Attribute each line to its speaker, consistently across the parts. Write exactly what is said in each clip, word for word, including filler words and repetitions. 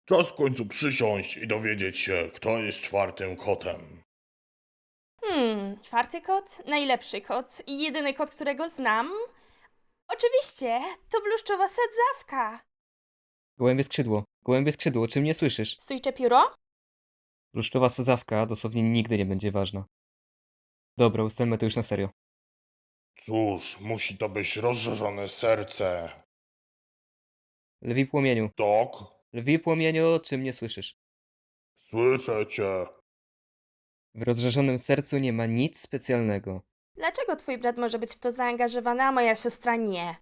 Speaker 1: Czas w końcu przysiąść i dowiedzieć się, kto jest czwartym kotem.
Speaker 2: Hmm, czwarty kot? Najlepszy kot i jedyny kot, którego znam? Oczywiście, to bluszczowa sadzawka.
Speaker 3: Gołębie skrzydło, gołębie skrzydło, czy mnie słyszysz?
Speaker 2: Stójcze pióro?
Speaker 3: Bluszczowa sadzawka dosłownie nigdy nie będzie ważna. Dobra, ustalmy to już na serio.
Speaker 1: Cóż, musi to być rozżarzone serce.
Speaker 3: Lwi płomieniu,
Speaker 1: Tak?
Speaker 3: lwi płomieniu, czy mnie słyszysz?
Speaker 1: Słyszę cię.
Speaker 3: W rozżarzonym sercu nie ma nic specjalnego.
Speaker 2: Dlaczego twój brat może być w to zaangażowany, a moja siostra nie?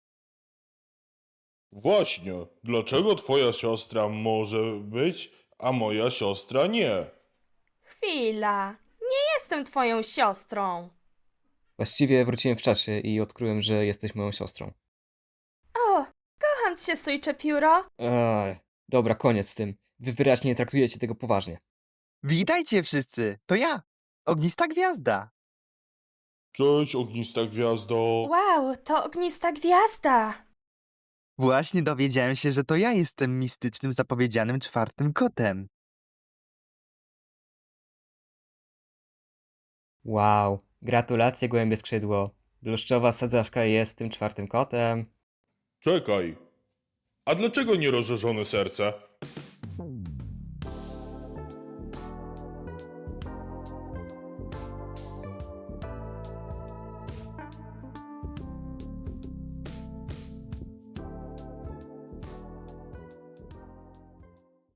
Speaker 1: Właśnie, dlaczego twoja siostra może być, a moja siostra nie?
Speaker 2: Chwila, nie jestem twoją siostrą.
Speaker 3: Właściwie wróciłem w czasie i odkryłem, że jesteś moją siostrą.
Speaker 2: O, kocham cię, stójcze pióro.
Speaker 3: Eee, dobra, koniec z tym. Wy wyraźnie nie traktujecie tego poważnie.
Speaker 4: Witajcie wszyscy, to ja, Ognista Gwiazda.
Speaker 1: Cześć, ognista gwiazdo.
Speaker 2: Wow, to ognista gwiazda.
Speaker 4: Właśnie dowiedziałem się, że to ja jestem mistycznym zapowiedzianym czwartym kotem.
Speaker 3: Wow, gratulacje gołębie skrzydło. Bluszczowa sadzawka jest tym czwartym kotem.
Speaker 1: Czekaj, a dlaczego nie rozżarzone serce?